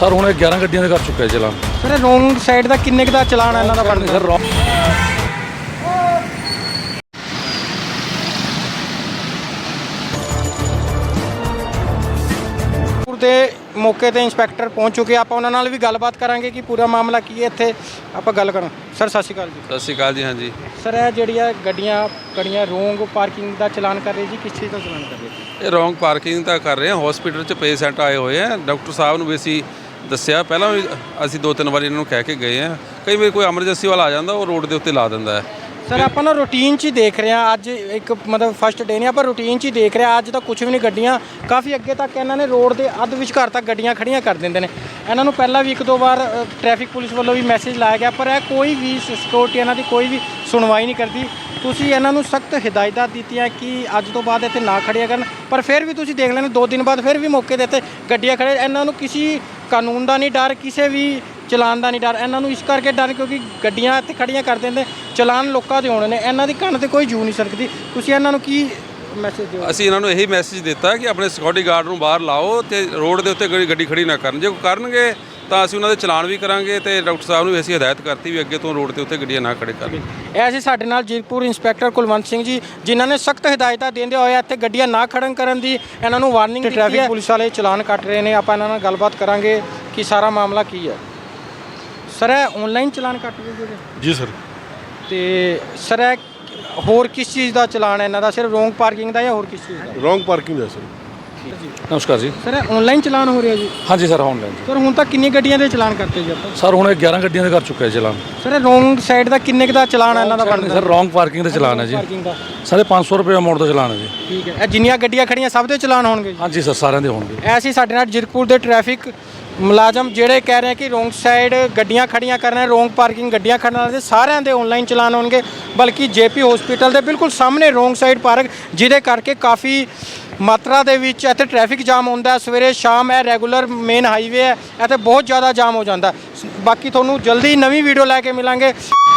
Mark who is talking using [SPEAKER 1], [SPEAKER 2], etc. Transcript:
[SPEAKER 1] Sir हुणे 11 ਗੱਡੀਆਂ ਦੇ कर चुका है चलान।
[SPEAKER 2] सर रोंग साइड का किन्ने का चलान है इन्हां दा बनदा
[SPEAKER 1] सर
[SPEAKER 2] ਦੇ ਮੌਕੇ ਤੇ ਇੰਸਪੈਕਟਰ ਪਹੁੰਚ ਚੁੱਕੇ ਆਪਾਂ ਉਹਨਾਂ ਨਾਲ ਵੀ ਗੱਲਬਾਤ ਕਰਾਂਗੇ ਕਿ ਪੂਰਾ ਮਾਮਲਾ ਕੀ ਹੈ ਇੱਥੇ ਆਪਾਂ ਗੱਲ ਕਰਾਂ। ਸਰ ਸਤਿ ਸ਼੍ਰੀ ਅਕਾਲ ਜੀ।
[SPEAKER 3] ਸਤਿ ਸ਼੍ਰੀ ਅਕਾਲ ਜੀ। ਹਾਂਜੀ
[SPEAKER 2] ਸਰ ਇਹ ਜਿਹੜੀਆਂ ਗੱਡੀਆਂ ਕੜੀਆਂ ਰੋਂਗ ਪਾਰਕਿੰਗ ਦਾ ਚਲਾਨ ਕਰ ਰਹੇ ਜੀ, ਕਿਸ ਚੀਜ਼ ਦਾ ਚਲਾਨ ਕਰ ਰਹੇ?
[SPEAKER 3] ਇਹ ਰੋਂਗ ਪਾਰਕਿੰਗ ਤਾਂ ਕਰ ਰਹੇ ਹਾਂ। ਹਸਪੀਟਲ 'ਚ ਪੇਸ਼ੈਂਟ ਆਏ ਹੋਏ ਆ। ਡਾਕਟਰ ਸਾਹਿਬ ਨੂੰ ਵੀ ਅਸੀਂ ਦੱਸਿਆ, ਪਹਿਲਾਂ ਵੀ ਅਸੀਂ 2-3 ਵਾਰੀ ਇਹਨਾਂ ਨੂੰ ਕਹਿ ਕੇ ਗਏ ਆ। ਕਈ ਵਾਰ ਕੋਈ ਐਮਰਜੈਂਸੀ ਵਾਲਾ ਆ ਜਾਂਦਾ, ਉਹ ਰੋਡ ਦੇ ਉੱਤੇ ਲਾ ਦਿੰਦਾ ਹੈ।
[SPEAKER 2] ਸਰ ਆਪਾਂ ਨਾ ਰੂਟੀਨ 'ਚ ਹੀ ਦੇਖ ਰਹੇ ਹਾਂ, ਅੱਜ ਇੱਕ ਮਤਲਬ ਫਸਟ ਡੇ ਨਹੀਂ, ਆਪਾਂ ਰੂਟੀਨ 'ਚ ਹੀ ਦੇਖ ਰਹੇ ਹਾਂ। ਅੱਜ ਤਾਂ ਕੁਝ ਵੀ ਨਹੀਂ, ਗੱਡੀਆਂ ਕਾਫੀ ਅੱਗੇ ਤੱਕ ਇਹਨਾਂ ਨੇ ਰੋਡ ਦੇ ਅੱਧ ਵਿਚਕਾਰ ਤੱਕ ਗੱਡੀਆਂ ਖੜੀਆਂ ਕਰ ਦਿੰਦੇ ਨੇ। ਇਹਨਾਂ ਨੂੰ ਪਹਿਲਾਂ ਵੀ 1-2 ਵਾਰ ਟ੍ਰੈਫਿਕ ਪੁਲਿਸ ਵੱਲੋਂ ਵੀ ਮੈਸੇਜ ਲਾਇਆ ਗਿਆ, ਪਰ ਇਹ ਕੋਈ ਵੀ ਸਿਕਿਉਰਿਟੀ ਇਹਨਾਂ ਦੀ ਕੋਈ ਵੀ ਸੁਣਵਾਈ ਨਹੀਂ ਕਰਦੀ। ਤੁਸੀਂ ਇਹਨਾਂ ਨੂੰ ਸਖਤ ਹਦਾਇਤਾਂ ਦਿੱਤੀਆਂ ਕਿ ਅੱਜ ਤੋਂ ਬਾਅਦ ਇੱਥੇ ਨਾ ਖੜਿਆ ਕਰਨ, ਪਰ ਫਿਰ ਵੀ ਤੁਸੀਂ ਦੇਖ ਲੈਣੇ 2 ਦਿਨ ਬਾਅਦ ਫਿਰ ਵੀ ਮੌਕੇ ਦੇ ਇੱਥੇ ਗੱਡੀਆਂ ਖੜੇ। ਇਹਨਾਂ ਨੂੰ ਕਿਸੇ ਕਾਨੂੰਨ ਦਾ ਨਹੀਂ ਡਰ, ਕਿਸੇ ਵੀ ਚਲਾਨ ਦਾ ਨਹੀਂ ਡਰ। ਇਹਨਾਂ ਨੂੰ ਇਸ ਕਰਕੇ ਡਰ ਕਿਉਂਕਿ ਗੱਡੀਆਂ ਇੱਥੇ ਖੜੀਆਂ ਕਰ ਦਿੰਦੇ, ਚਲਾਨ ਲੋਕਾਂ ਦੇ ਹੋਣੇ ਨੇ, ਇਹਨਾਂ ਦੀ ਕੰਨ 'ਤੇ ਕੋਈ ਜੂ ਨਹੀਂ ਸਰਕਦੀ। ਤੁਸੀਂ ਇਹਨਾਂ ਨੂੰ ਕੀ ਮੈਸੇਜ ਦਿਓ?
[SPEAKER 3] ਅਸੀਂ ਇਹਨਾਂ ਨੂੰ ਇਹੀ ਮੈਸੇਜ ਦਿੱਤਾ ਕਿ ਆਪਣੇ ਸਿਕਿਉਰਿਟੀ ਗਾਰਡ ਨੂੰ ਬਾਹਰ ਲਾਓ ਤੇ ਰੋਡ ਦੇ ਉੱਤੇ ਗੱਡੀ ਖੜੀ ਨਾ ਕਰਨ। ਜੇ ਕੋਈ ਕਰਨਗੇ ਤਾਂ ਅਸੀਂ ਉਹਨਾਂ ਦੇ ਚਲਾਨ ਵੀ ਕਰਾਂਗੇ ਤੇ ਡਾਕਟਰ ਸਾਹਿਬ ਨੂੰ ਵੀ ਅਸੀਂ ਹਦਾਇਤ ਕਰਤੀ ਵੀ ਅੱਗੇ ਤੋਂ ਰੋਡ ਦੇ ਉੱਤੇ ਗੱਡੀਆਂ ਨਾ ਖੜੇ ਕਰਨ।
[SPEAKER 2] ਇਹ ਸੀ ਸਾਡੇ ਨਾਲ ਜੀਰਕਪੁਰ ਇੰਸਪੈਕਟਰ ਕੁਲਵੰਤ ਸਿੰਘ ਜੀ, ਜਿਨ੍ਹਾਂ ਨੇ ਸਖਤ ਹਦਾਇਤਾਂ ਦਿੰਦੇ ਹੋਏ ਇੱਥੇ ਗੱਡੀਆਂ ਨਾ ਖੜਨ ਕਰਨ ਦੀ ਇਹਨਾਂ ਨੂੰ ਵਾਰਨਿੰਗ ਦਿੱਤੀ ਹੈ। ਟ੍ਰੈਫਿਕ ਪੁਲਿਸ ਵਾਲੇ ਚਲਾਨ ਕੱਟ ਰਹੇ ਨੇ, ਆਪਾਂ ਇਹਨਾਂ ਨਾਲ ਗੱਲਬਾਤ ਕਰਾਂਗੇ ਕਿ ਸਾਰਾ ਮਾਮਲਾ ਕੀ ਹੈ। ਸਰ ਇਹ ਆਨਲਾਈਨ ਚਲਾਨ ਕੱਟ ਰਹੇ
[SPEAKER 1] जी सर।
[SPEAKER 2] ਤੇ ਸਰ ਇਹ ਹੋਰ ਕਿਸ ਚੀਜ਼ ਦਾ ਚਲਾਨ ਹੈ ਇਹਨਾਂ ਦਾ? ਸਿਰਫ ਰੋਂਗ ਪਾਰਕਿੰਗ ਦਾ ਜਾਂ ਹੋਰ ਕਿਸ ਚੀਜ਼ ਦਾ?
[SPEAKER 1] रॉन्ग पार्किंग है सर। नमस्कार जी।
[SPEAKER 2] ਸਰ ਇਹ ਆਨਲਾਈਨ ਚਲਾਨ ਹੋ ਰਿਹਾ ਜੀ?
[SPEAKER 1] हाँ जी सर ऑनलाइन।
[SPEAKER 2] ਸਰ ਹੁਣ ਤੱਕ ਕਿੰਨੀਆਂ ਗੱਡੀਆਂ ਦੇ ਚਲਾਨ ਕਰਤੇ ਜੀ ਆਪਾਂ?
[SPEAKER 1] सर हुणे 11 ਗੱਡੀਆਂ ਦੇ कर चुका है चलान।
[SPEAKER 2] ਸਰ ਇਹ ਰੋਂਗ ਸਾਈਡ ਦਾ ਕਿੰਨੇ ਦਾ ਚਲਾਨ ਹੈ ਇਹਨਾਂ ਦਾ ਬਣਦਾ?
[SPEAKER 1] सर रॉन्ग पार्किंग ਦਾ ਚਲਾਨ ਹੈ ਜੀ।
[SPEAKER 2] ਪਾਰਕਿੰਗ ਦਾ
[SPEAKER 1] ਸਾਰੇ 500 ਰੁਪਏ ਮੋੜ ਦਾ ਚਲਾਨ ਹੈ ਜੀ।
[SPEAKER 2] ਠੀਕ ਹੈ। ਇਹ ਜਿੰਨੀਆਂ ਗੱਡੀਆਂ ਖੜੀਆਂ ਸਭ ਦੇ ਚਲਾਨ ਹੋਣਗੇ ਜੀ?
[SPEAKER 1] हाँ जी सर ਸਾਰਿਆਂ ਦੇ ਹੋਣਗੇ।
[SPEAKER 2] ਐਸੀ ਸਾਡੇ ਨਾਲ ਜੀਰਕਪੁਰ ਦੇ ਟ੍ਰੈਫਿਕ ਮੁਲਾਜ਼ਮ ਜਿਹੜੇ ਕਹਿ ਰਹੇ ਕਿ ਰੋਂਗ ਸਾਈਡ ਗੱਡੀਆਂ ਖੜੀਆਂ ਕਰਨਾ, ਰੋਂਗ ਪਾਰਕਿੰਗ ਗੱਡੀਆਂ ਖੜਨ ਵਾਲੇ ਸਾਰਿਆਂ ਦੇ ਆਨਲਾਈਨ ਚਲਾਨ ਹੋਣਗੇ। ਬਲਕਿ ਜੇਪੀ ਹਸਪੀਟਲ ਦੇ ਬਿਲਕੁਲ ਸਾਹਮਣੇ ਰੋਂਗ ਸਾਈਡ ਪਾਰਕ, ਜਿਹਦੇ ਕਰਕੇ ਕਾਫੀ ਮਾਤਰਾ ਦੇ ਵਿੱਚ ਇੱਥੇ ਟ੍ਰੈਫਿਕ ਜਾਮ ਹੁੰਦਾ। ਸਵੇਰੇ ਸ਼ਾਮ ਇਹ ਰੈਗੂਲਰ ਮੇਨ ਹਾਈਵੇ ਹੈ, ਇੱਥੇ ਬਹੁਤ ਜ਼ਿਆਦਾ ਜਾਮ ਹੋ ਜਾਂਦਾ। ਬਾਕੀ ਤੁਹਾਨੂੰ ਜਲਦੀ ਨਵੀਂ ਵੀਡੀਓ ਲੈ ਕੇ ਮਿਲਾਂਗੇ।